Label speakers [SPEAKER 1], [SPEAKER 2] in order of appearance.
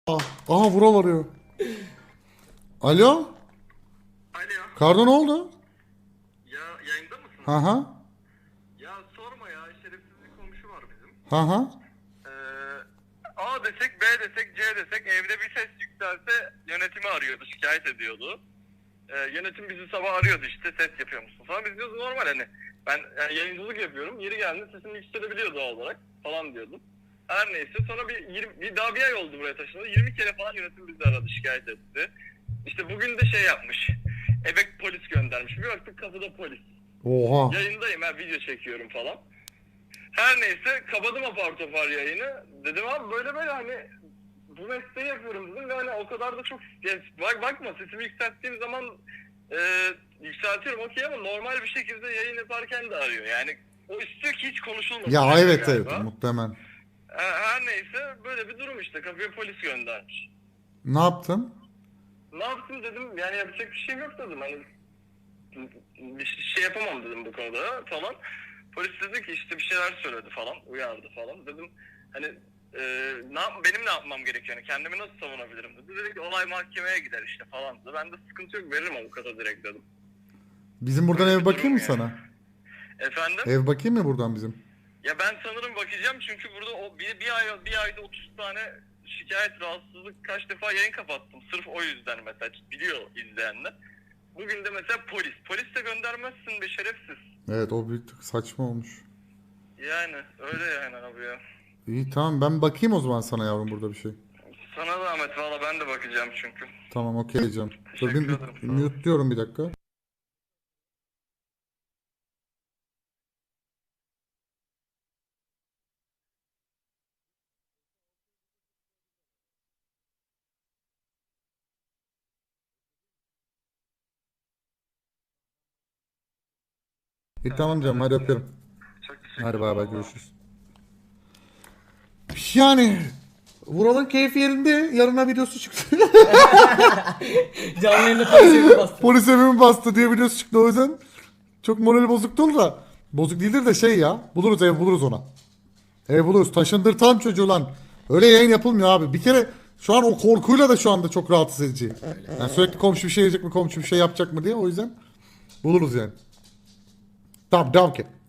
[SPEAKER 1] Aha Vural arıyor. Alo?
[SPEAKER 2] Alo.
[SPEAKER 1] Kardo ne oldu?
[SPEAKER 2] Ya yayında mısın?
[SPEAKER 1] Ha ha.
[SPEAKER 2] Ya sorma ya, şerefsiz bir komşu var bizim.
[SPEAKER 1] Ha ha.
[SPEAKER 2] Ee, A desek, B desek, C desek evde bir ses yükselse yönetimi arıyordu, şikayet ediyordu. Yönetim bizi sabah arıyordu, işte ses yapıyor musun falan. Biz diyoruz normal, hani ben yani yayıncılık yapıyorum, yeri geldiğinde sesimi yükselebiliyor doğal olarak falan diyordum. Her neyse sonra daha bir ay oldu buraya taşınalı. 20 kere falan yönetim bizi aradı, şikayet etti. İşte bugün de şey yapmış. Eve polis göndermiş. Bir baktık kapıda polis.
[SPEAKER 1] Oha.
[SPEAKER 2] Yayındayım, video çekiyorum falan. Her neyse kapadım apar topar yayını. Dedim abi böyle böyle hani bu mesleği yapıyorum dedim ve hani o kadar da çok bakma sesimi yükselttiğim zaman e, yükseltiyorum okey, ama normal bir şekilde yayın yaparken de arıyor. Yani o istiyor ki hiç konuşulmasın.
[SPEAKER 1] Ya evet
[SPEAKER 2] galiba.
[SPEAKER 1] evet muhtemelen.
[SPEAKER 2] Her neyse böyle bir durum işte, kapıya polis göndermiş.
[SPEAKER 1] Ne yaptın?
[SPEAKER 2] Ne yaptım dedim, yani yapacak bir şeyim yok dedim, hani bir şey yapamam dedim bu konuda falan. Polis dedi ki işte bir şeyler söyledi falan, uyardı falan. Dedim hani benim ne yapmam gerekiyor, yani kendimi nasıl savunabilirim dedi. Dedi ki olay mahkemeye gider işte falan dedi. Ben de sıkıntı yok, veririm avukata direkt dedim.
[SPEAKER 1] Bizim buradan
[SPEAKER 2] Böyle
[SPEAKER 1] ev
[SPEAKER 2] bir
[SPEAKER 1] bakayım
[SPEAKER 2] durum
[SPEAKER 1] mı
[SPEAKER 2] yani.
[SPEAKER 1] sana?
[SPEAKER 2] Efendim?
[SPEAKER 1] Ev bakayım mı buradan bizim?
[SPEAKER 2] Ya ben sanırım bakacağım, çünkü burada o bir ayda 30 tane şikayet, rahatsızlık, kaç defa yayın kapattım. Sırf o yüzden mesela, biliyor izleyenler. Bugün de mesela polis de göndermezsin be şerefsiz.
[SPEAKER 1] Evet o bir tık saçma olmuş.
[SPEAKER 2] Yani öyle yani abi ya.
[SPEAKER 1] İyi tamam ben bakayım o zaman sana yavrum burada bir şey.
[SPEAKER 2] Sana zahmet, valla ben de bakacağım çünkü.
[SPEAKER 1] Tamam okey canım. Dur
[SPEAKER 2] Teşekkür ederim, sağ ol.
[SPEAKER 1] mute diyorum bir dakika. Tamam canım hadi öpüyorum.
[SPEAKER 2] Çok
[SPEAKER 1] Hadi
[SPEAKER 2] teşekkür
[SPEAKER 1] bay
[SPEAKER 2] ederim.
[SPEAKER 1] bay
[SPEAKER 2] Allah'a
[SPEAKER 1] görüşürüz. Yani Vural'ın keyfi yerinde yarına videosu çıktı.
[SPEAKER 3] Canlı yayında polise bastı.
[SPEAKER 1] Polis evimi bastı diye videosu çıktı o yüzden. Çok morali bozuktu da. Bozuk değildir de şey ya. Buluruz ev buluruz ona. Ev buluruz. Taşındırtan çocuğu lan. Öyle yayın yapılmıyor abi. Bir kere şu an o korkuyla da şu anda çok rahatsız edici. Yani sürekli komşu bir şey yiyecek mi, komşu bir şey yapacak mı diye, o yüzden buluruz yani. Tamam devam ki.